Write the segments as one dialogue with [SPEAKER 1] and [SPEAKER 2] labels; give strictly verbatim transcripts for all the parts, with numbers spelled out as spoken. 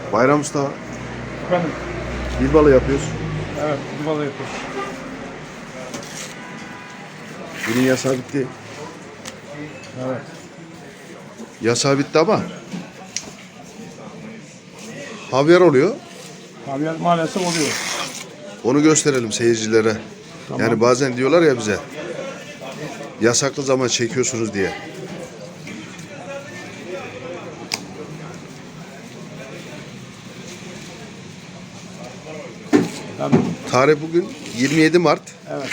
[SPEAKER 1] Bayram Usta,
[SPEAKER 2] Efendim?
[SPEAKER 1] dil balığı yapıyoruz.
[SPEAKER 2] Evet, dil balığı yapıyoruz.
[SPEAKER 1] Bunun yasağı bitti.
[SPEAKER 2] Evet.
[SPEAKER 1] Yasağı bitti ama havyar oluyor.
[SPEAKER 2] Havyar maalesef oluyor.
[SPEAKER 1] Onu gösterelim seyircilere.
[SPEAKER 2] Tamam.
[SPEAKER 1] Yani bazen diyorlar ya bize, yasaklı zaman çekiyorsunuz diye.
[SPEAKER 2] Tabii.
[SPEAKER 1] Tarih bugün yirmi yedi Mart
[SPEAKER 2] Evet.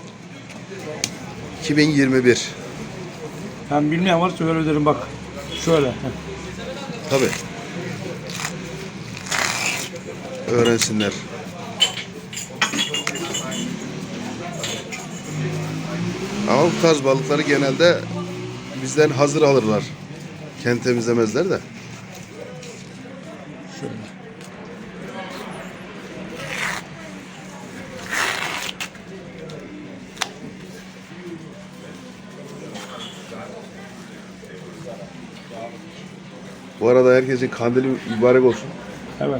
[SPEAKER 1] iki bin yirmi bir.
[SPEAKER 2] Ben bilmeyen var şöyle öderim bak. Şöyle. Heh.
[SPEAKER 1] Tabii. Öğrensinler. Ama bu tarz balıkları genelde bizden hazır alırlar. Kendi temizlemezler de.
[SPEAKER 2] Şöyle.
[SPEAKER 1] Bu arada herkesin kandili mübarek olsun.
[SPEAKER 2] Evet.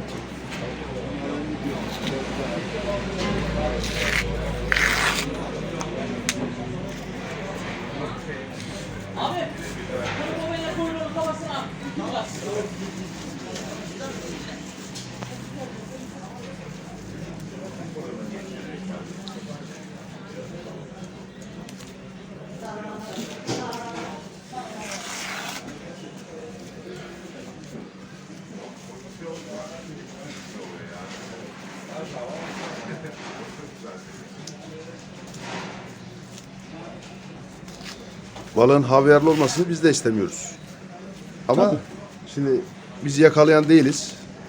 [SPEAKER 1] Balığın havyarlı olmasını biz de istemiyoruz. Ama
[SPEAKER 2] Tabii.
[SPEAKER 1] şimdi biz yakalayan değiliz.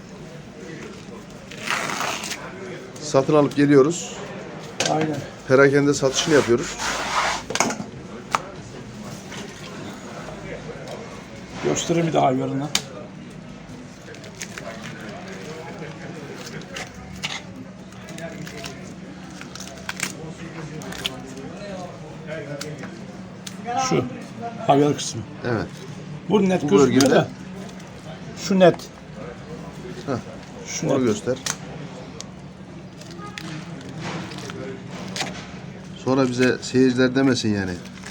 [SPEAKER 1] Satın alıp geliyoruz.
[SPEAKER 2] Aynen.
[SPEAKER 1] Perakende satışını yapıyoruz.
[SPEAKER 2] Göstereyim bir daha havyarını. Şu havyar kısmı.
[SPEAKER 1] Evet.
[SPEAKER 2] Bu net
[SPEAKER 1] Bu
[SPEAKER 2] gözüküyor
[SPEAKER 1] bölgede-
[SPEAKER 2] da. Şu net.
[SPEAKER 1] Heh,
[SPEAKER 2] Şu
[SPEAKER 1] Onu
[SPEAKER 2] net.
[SPEAKER 1] göster. Sonra bize seyirciler demesin yani.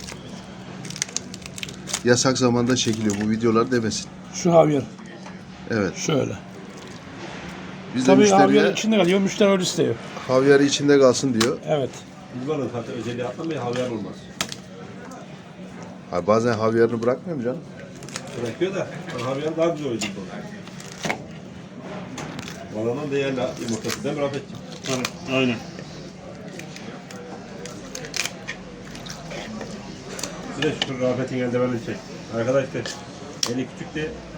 [SPEAKER 1] Yasak zamanda çekiliyor bu videolar demesin.
[SPEAKER 2] Şu havyar.
[SPEAKER 1] Evet.
[SPEAKER 2] Şöyle.
[SPEAKER 1] Biz de
[SPEAKER 2] Tabii havyar
[SPEAKER 1] müşteriye
[SPEAKER 2] içinde kalıyor. Müşteri öyle istiyor.
[SPEAKER 1] havyarı içinde kalsın diyor.
[SPEAKER 2] Evet.
[SPEAKER 3] Dil balığı zaten özelliği atlamayı havyar olmaz.
[SPEAKER 1] Ha, bazen havyarını bırakmıyor mu canım?
[SPEAKER 3] Bırakıyor da havyar daha güzel oluyor dil balığı. Balığın değerli yumurtası değil mi Rafetciğim?
[SPEAKER 2] Evet. Aynen.
[SPEAKER 3] Bir de şu Rafet'in eldivenini çek. Arkadaşlar eli küçük de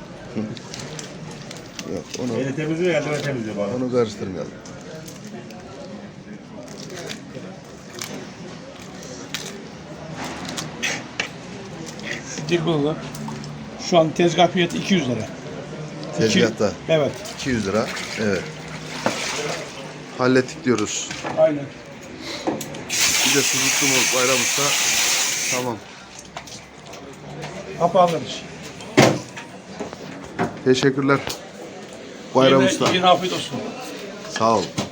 [SPEAKER 1] Yok, onu
[SPEAKER 3] eli temizliyor, eldiven temizliyor balığı.
[SPEAKER 1] onu karıştırmayalım.
[SPEAKER 2] Şu dil balığı. Şu an tezgah fiyatı iki yüz lira.
[SPEAKER 1] Tezgahta
[SPEAKER 2] İki- Evet.
[SPEAKER 1] iki yüz lira. Evet. Hallettik diyoruz.
[SPEAKER 2] Aynen.
[SPEAKER 1] Bir de sucuklu mu Bayram Usta? Tamam.
[SPEAKER 2] Kapanır iş.
[SPEAKER 1] Teşekkürler. Bayram
[SPEAKER 2] Yine-
[SPEAKER 1] Usta.
[SPEAKER 2] Yine afiyet olsun.
[SPEAKER 1] Sağ ol.